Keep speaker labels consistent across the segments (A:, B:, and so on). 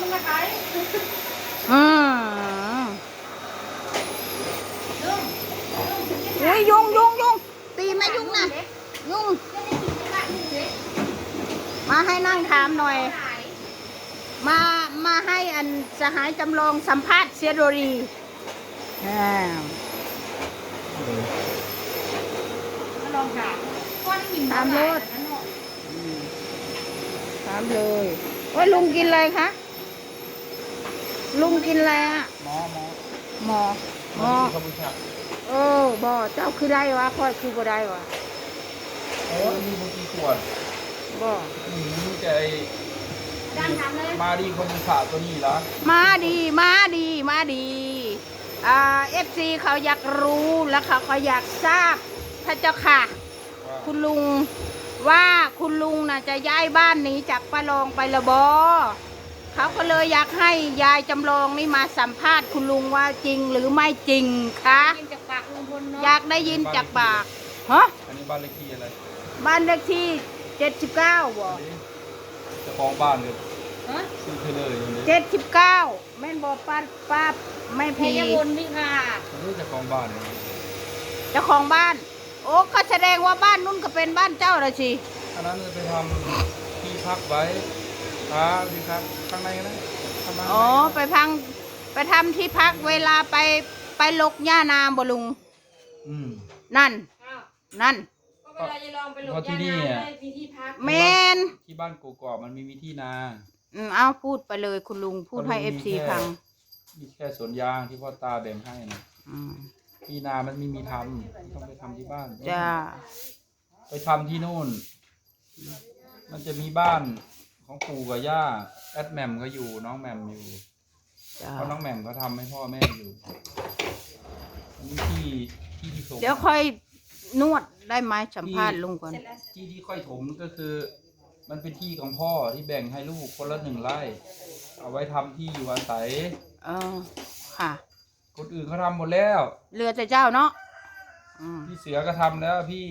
A: มาขาย
B: อืมอุ้ยยุงตีไหมยุงนะยุงมาให้นั่งถามหน่อยมาให้อันสหายจำลองสัมภาษณ์เสียโดรี
A: ลองถาม
B: ถามเลยถามเลยว่าลุงกินอะไรคะลุงกินอะไรอ่ะหมอบ่เจ้าคือได้วะค่อยคือบ่ได้วะ
C: มีบางทีขวด
B: บ่
C: นี่แกมาดีคนสาตัวนี้ละ
B: มาดีFC เขาอยากรู้แล้วเขาอยากทราบพระเจ้าค่ะคุณลุงว่าคุณลุงน่ะจะย้ายบ้านหนีจากป้าลองไปละบอเขาก็เลยอยากให้ยายจำลองนี่มาสัมภาษณ์คุณลุงว่าจริงหรือไม่จริงคะอยากได้ยินจากปากฮะ
C: อันนี้บ้านเลขที่อะไร
B: บ้านเลขที่79บ่
C: เจ้าของบ้านเลยซื้อเธอเลย
B: 79แม่นบ่ป้าไม่พี
A: คนนี่ค่ะ
C: นี่เจ้าของบ้าน
B: เจ้าของบ้านโอ้ก็แสดงว่าบ้านนู้นก็เป็นบ้านเจ้าละสิ
C: อันนั้นจะไปทำที่พักไว้ที่พักข้างในนะ
B: อ๋อไปทำที่พักเวลาไปลกหญ้านาบ่ลุงนั่น
C: เพราะที่นี่
B: แมน
C: ที่บ้านกกอกมันมีที่นา
B: เอาพูดไปเลยคุณลุงพูดให้ FC ฟัง
C: มีแค่สวนยางที่พ่อตาแบ่งให้นะที่นามันไม่มีทำต้องไปทำที่บ้าน
B: จ้า
C: ไปทำที่นู่นมันจะมีบ้านของปู่กับย่าแอดแหม่มก็อยู่น้องแหม่มอยู่เพราะน้องแหม่มเขาทำให้พ่อแม่อยู่นี่ที่ถม
B: เดี๋ยวค่อยนวดได้ไหมสัมภาษณ์ลุงก่อน
C: ที่ค่อยถมก็คือมันเป็นที่ของพ่อที่แบ่งให้ลูกคนละ1 ไร่เอาไว้ทำที่อยู่อาศัย
B: ค่ะ
C: คนอื่นเขาทำหมดแล้ว
B: เรือแต่เจ้าเนาะ
C: พี่เสือก็ทำแล้วพี่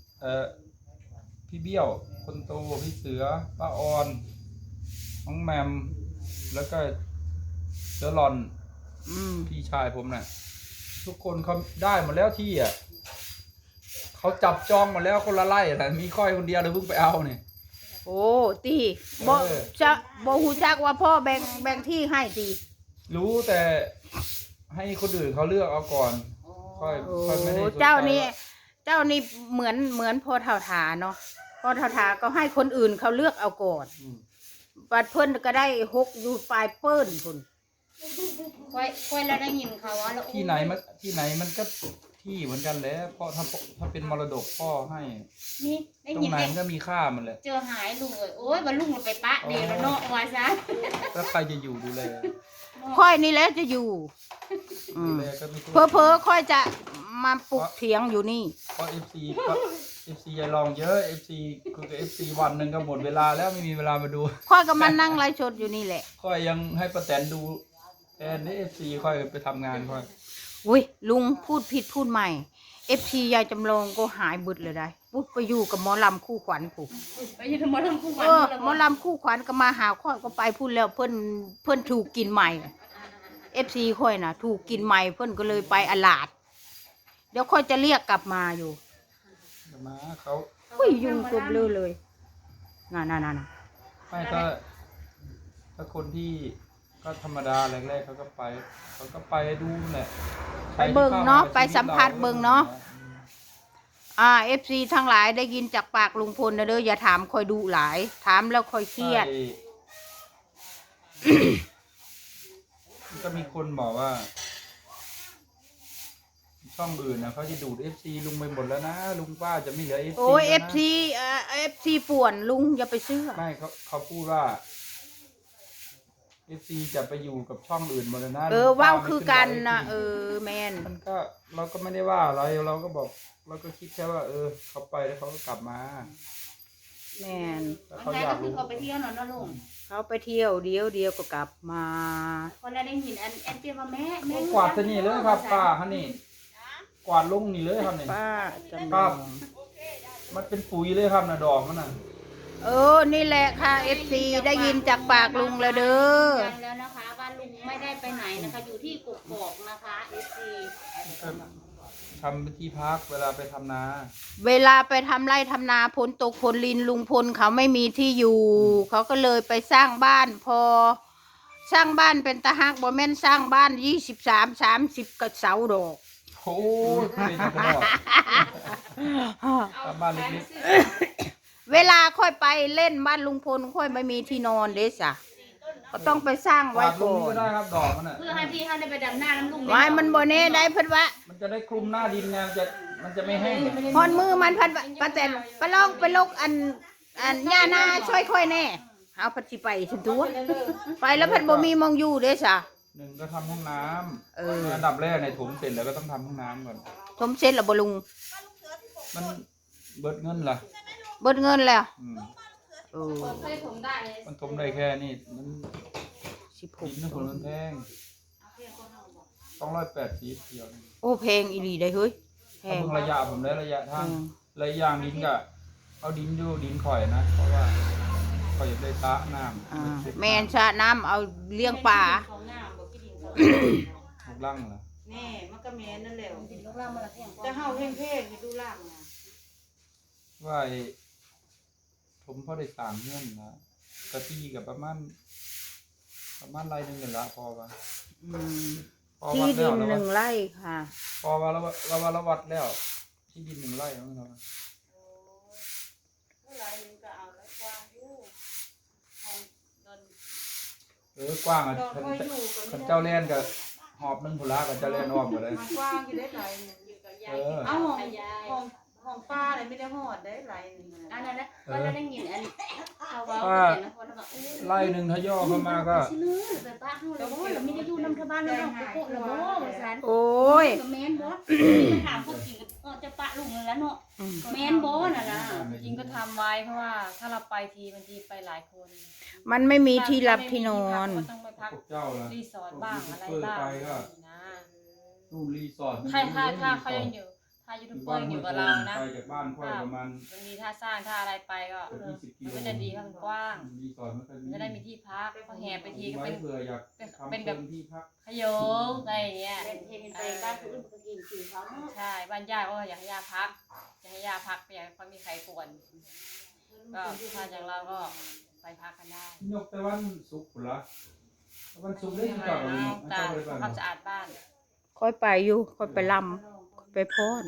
C: เบี้ยวคนโตพี่เสือป้าออนน้องแมมแล้วก็เสือหลอนพี่ชายผมน่ะทุกคนเขาได้หมดแล้วที่เขาจับจองหมดแล้วคนละไร่แต่มีค่อยคนเดียวเลยเพิ่งไปเอาเนี่ย
B: โอ้ตีบ่ฮู้จักว่าพ่อแบ่งที่ให้ตี
C: รู้แต่ให้คนอื่นเขาเลือกเอาก่อนค่อยไม่ได้
B: เจ้านี่เหมือนพ่อเฒ่าถาเนาะพ่อเฒ่าถาก็ให้คนอื่นเขาเลือกเอาก่อนบัดเพิ่นก็ได้6อยู่ปลายเปิ้นพุ่น
A: ค่อยแล้วได้ยินเขาว่า
C: ที่ไหนมันก็ที่เหมือนกันแหละพ่อถ้าเป็นมรดกพ่อให้
A: นี่ได้
C: ยินตรงไหนมันก็มีค่ามันแหละ
A: เจอหายลุงโอ้ยว่าลุงมันไปปะเดียวแล้วเนาะว่าซะ
C: แล้วใครจะอยู่ดูแล
B: ค่อยนี่แหละจะอยู่เพ้อค่อยจะมาปลุกเถียงอยู่นี่
C: เพราะ FC อย่าลองเยอะ FC คือกับ FC วันหนึ่งก็หมดเวลาแล้วไม่มีเวลามาดู
B: ค่อยก็มานั่งไลฟ์สดอยู่นี่แหละ
C: ค่อยยังให้ป้าแตนดูแทนนี่ FC ค่อยไปทำงานค่อย
B: อุ้ยลุงพูดผิดพูดใหม่ FC ยายจำลองก็หายบึดเลยได้ปุ๊บไปอยู่กับหมอลำคู่ขวัญปุ๊บ
A: ไปอยู่กับหมอลำคู่ขวัญ
B: หมอลำคู่ขวัญก็มาหาค่อยก็ไปพูดแล้วเพิ่นถูกกินใหม่ FC ค่อยน่ะถูกกินใหม่เพิ่นก็เลยไปอลาดเดี๋ยวค่อยจะเรียกกลับมาอยู่
C: มาเขา
B: ยุ่งตัวเบลอเลยน่ะ
C: ไม่ถ้าคนที่ก็ธรรมดาแรกๆเขาก็ไปดูแหละ
B: ไปเบิ่งเนาะไปสัมภาษณ์เบิ่งเนาะFC ทั้งหลายได้ยินจากปากลุงพลนะเด้ออย่าถามค่อยดุหลายถามแล้วค่อยเครียด
C: ก็มีคนบอกว่าช่องอื่นนะเขาจะดูด FC ลุงไปหมดแล้วนะลุงป้าจะไม่เหลือ FC
B: โอ้ย FC ป่วนลุงอย่าไปเชื่อ
C: ไม่เขาพูดว่า FC จะไปอยู่กับช่องอื่นหมดแล้วนะ
B: ว้าวคือกันนะแมน
C: มันก็เราก็ไม่ได้ว่าอะไรเราก็บอกเราก็คิดแค่ว่าเขาไปแล้วเขาก็กลับมา
B: แมน
A: เขาอยากรู้เขาไปเที่ยวหน่อยนะลุง
B: เขาไปเที่ยวเดียวก็กลับมา
A: คนละได้ยินแอนเปียว่าแม่
C: กวาดที่นี่เลยครับป้าฮะนี่กวาดลงนี่เลยครับนี่
B: ป้า
C: ครับมันเป็นปุ๋ยเลยครับนะดอกมันน่ะ
B: นี่แหละค่ะ FC ได้ยินจากปากลุงแล้วเด้อ
A: ยืนยันแล้วนะคะว่าลุงไม่ได้ไปไหนนะคะ อยู่ที่กกอกนะคะ FC
C: ทำที่พักเวลาไปทำนา
B: เวลาไปทำไร่ทำนาฝนตกฝนลินลุงพลเขาไม่มีที่อยู่ เขาก็เลยไปสร้างบ้านพอ สร้างบ้านเป็นตะฮักบ่แม่นสร้างบ้าน23-30กระเสาดอก
C: โอ้ยเป็นจังหวะทำบ้านเล็ก
B: เวลาค่อยไปเล่นบ้านลุงพลค่อยไม่มีที่นอนเด้สะก็ต้องไปสร้าง
C: ๆ
B: ไว้
C: วาดล
B: ก่
C: ง
B: อ
C: ก็
B: น
C: ได้ครับดอกมันอ่ะ
A: เพื่อให้พี่เขาได้ไปดำน้าน้ำลุง
B: ไว้มันบ่แน่ได้เพิ่นว่า
C: มันจะได้คลุมหน้าดินไงมันจะไม่แห้ง
B: ฮอนมือมันพันว่าป้าแตนไปลองไปลกอันย่านาช่วยค่อยแน่เอาพัดสิไปถึงตัวไปแล้วพันบ่มีมองอยู่เด้สะ
C: หนึ่งก็ทำห้องน้
B: เออ
C: ำอันดับแรกในถมเสร็จแล้วก็ต้องทำห้องน้ำก่อน
B: สมเสร็จแล้วบ่ลุง
C: มันเบิดเงินล่ะ
B: เบิดเงินแล้ว
C: อืม
B: เออ
A: เคยผมได้เลย
C: มันถมได้แค่นี้มันดินนึง
B: 16
C: คนมันแพง280เดียวนี่
B: โอ้แพงอีหลีได้เฮ้ยแพ
C: ถ้าง เพิ่งระยะผมได้ระยะทาง
B: อืม
C: ระยะดินก็เอาดินอยู่ดินข่อยนะ เพราะว่าข่อยอยากได้ตะน้ำ
B: อ่าแม่นชะน้ำเอาเลี้ยงปลา
A: เขาหน้าบอกพี่ดินเขา
C: ถูกลั่งเหรอ
D: แน่มันก็แม่นนั่นแหละ
A: ดินลูกล่างมาละแท่ง
D: แต่เฮาเพ่งๆให้ดูล่างนะ
C: ว่าไอ้ผมพอได้ต่างเงื่อนนะกะที่กับประมาณไรหนึงนี่ละพอปะ
B: อืม
C: พอ
B: ที่
C: วัด
B: ดิ
C: แล้ว
B: น
C: แล้ว
B: 1 ไร่ค่ะ
C: พอว่าเราวัดแล้ว ที่ดิน1 ไร่แล้วเรา
D: เท่าไหร่นึงก็เอาแล้วกว้างอยู่ของดอน
C: กว้างอ่ะ
D: ดอน
C: คัน
D: ค่อยอยู่ก็
C: คัน
D: ไม่ได้
C: เจ้าเล่นกับหอบหนึงผุละกับเจ้าเล่นออกหมดเลย
D: มันกว้างอยู่ได้หลายหนึง
A: อยู่กับยาย
D: เอาของ
A: ยาย
D: ของของป้าเลยไม่ได้หอดได้หลายหนึง
A: อัน
D: นะ
A: นั้นนะก็ได้ยินอันเขาว่าแต่ละคนแบบ
C: ไร่หนึ่งถ้าย่อเข้ามาก็
A: สิเลยไปป้าเฮาแล้วบ่เราไม่ได้อยู่นำชาวบ้านแล้วเราโกะแล้วบ่ว่าซั่น
B: โอ้ย
A: ก็แม่นบ่ถามพวกจริงก็จะปะลุงแล้วเนาะ
B: อืม
A: แม่นบ่น่ะนะ
E: จริงก็ทำไว้เพราะว่าถ้าเราไปทีบางทีไปหลายคน
B: มันไม่มีที่หลับที่นอน
E: ก็ต้องไปพัก
C: พวกเจ้าละ
E: รีสอร์ทบ้างอะไรบ้าง
C: ไปก็
E: นะ
C: นู่นรีสอร์ท
E: ถ้าเขายังอยู่ถ้ายูทูบเบอร์อยู่กับเรานะ
C: ไปจากบ้านค่อยประมาณ
E: บางทีถ้าสร้างถ้าอะไรไปก็
C: 20 กิโล
E: มันก็จะดีครับมันกว้าง
C: รีสอร์ทมันก็
E: มันจะได้มีที่พักพอแห่ไปทีก็
C: ไว้
E: เป็น
C: เผื่ออยากทำ
E: เป็นแบบ
C: ที่พัก
E: ขยงอะไรอย่างเงี้ย
A: เห็นไปบ้านคนอื่นก็กินกินเขาเนาะ
E: ใช่บ้านย่าก็อยากให้ย่าพักอยากให้ย่าพักอยากให้เขามีใครป่วนก็ถ้าจากเราก็ไปพักกันได้
C: ยกแต่วันศุกร์พุ่นละวันศุกร์ได้
E: ไม่
C: ที่
E: ไหว
C: เก่าเลย
E: แล้ว
C: ไม่
E: ตา
C: เจ้าเลยไป
E: ความสะอาดบ้าน
B: ค่อยไปอยู่ค่อยไปลำค่อยไปพร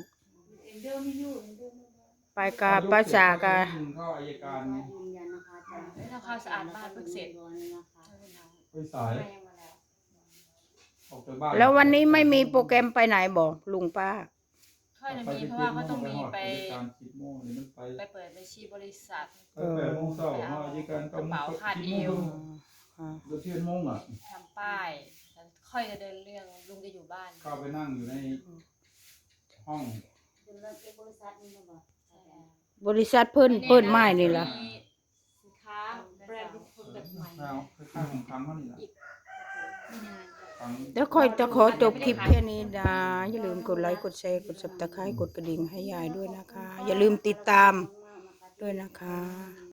B: ไปกาป้าสากา
C: เข้าอัยการ
A: ยืนยันนะคะอาจารย์
E: ไม่ทำความสะอาดบ้านเพิ่งเสร็จ
C: ไปสายออกจากบ้าน
B: แล้ววันนี้ไม่มีโปรแกรมไปไหนบอกลุงป้า
E: ค่อยจะมีเพราะว่าเขาต้องมีไป
C: การ10 โมงนี่มันไป
E: ไปเปิดบัญชีบริษัท
C: 8 โมงเช้าเข้าอัยการ
E: กระเป๋าคาดเอว
C: เดี๋ยว11 โมงอ่ะ
E: ทำป้ายแล้วค่อยจะเดินเรื่องลุงจะอยู่บ้าน
C: เข้าไปนั่งอยู่ในห้อง
A: บริษัทนี่นะบอก
B: บริษัทเพิ่นไม้นี่ล่ะ
A: มีสินค้าแบรนด์ที่คนแบบใหม่
C: แล้วคล้ายๆของครั้งเขานี่แหละ
A: ไม่นาน
C: ครั้ง
B: เดี๋ยวค่อยจะขอจบคลิปแค่นี้นะอย่าลืมกดไลค์กดแชร์กด Subscribe กดกระดิ่งให้ยายด้วยนะคะ อย่าลืมติดตามด้วยนะคะ